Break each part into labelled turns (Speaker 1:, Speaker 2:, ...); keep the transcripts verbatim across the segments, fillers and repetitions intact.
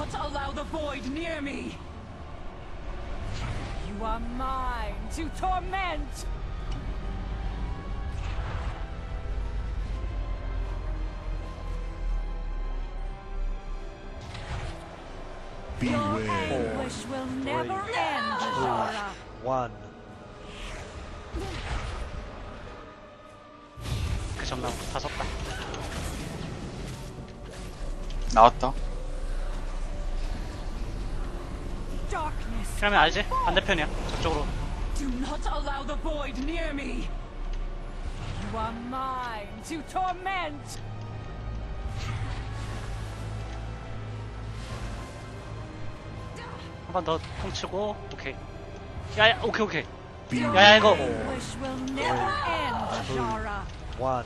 Speaker 1: not allow the void near me. You are mine to torment. Your anguish will never end, Azara.
Speaker 2: one.
Speaker 3: 그 전나무 다 섰다.
Speaker 4: 나왔다.
Speaker 1: Darkness.
Speaker 3: 그러면 알지? 반대편이야. 저쪽으로.
Speaker 1: Do not allow the void near me. You are mine to torment.
Speaker 3: 한 번 더 퉁치고. 오케이. 야야 오케이 오케이. 야야 이거.
Speaker 1: Anguish will never end, Azara.
Speaker 2: one.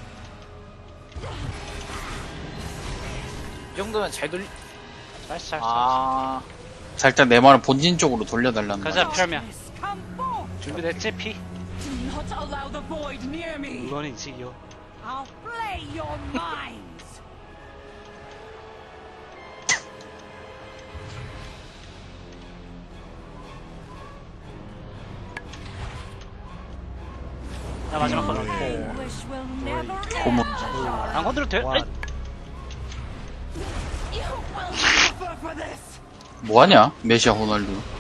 Speaker 5: 이 정도면 잘 돌리,
Speaker 3: 잘했어 잘했어.
Speaker 5: 아,
Speaker 4: 자, 일단 내 말을 본진 쪽으로 돌려달라는
Speaker 3: 가자
Speaker 4: 거야.
Speaker 3: 피라미야.
Speaker 1: Darkness, come forth.
Speaker 3: 준비됐지 피?
Speaker 1: Do not allow the void near me.
Speaker 3: 물론이지요.
Speaker 1: I'll flay your minds.
Speaker 3: 나 마지막 거.
Speaker 1: Anguish will never end,
Speaker 4: 고무.
Speaker 1: Azara.
Speaker 3: 안 건드려도 돼?
Speaker 2: one.
Speaker 3: 에이,
Speaker 1: You will suffer for this.
Speaker 4: 뭐하냐? 메시아 호날두.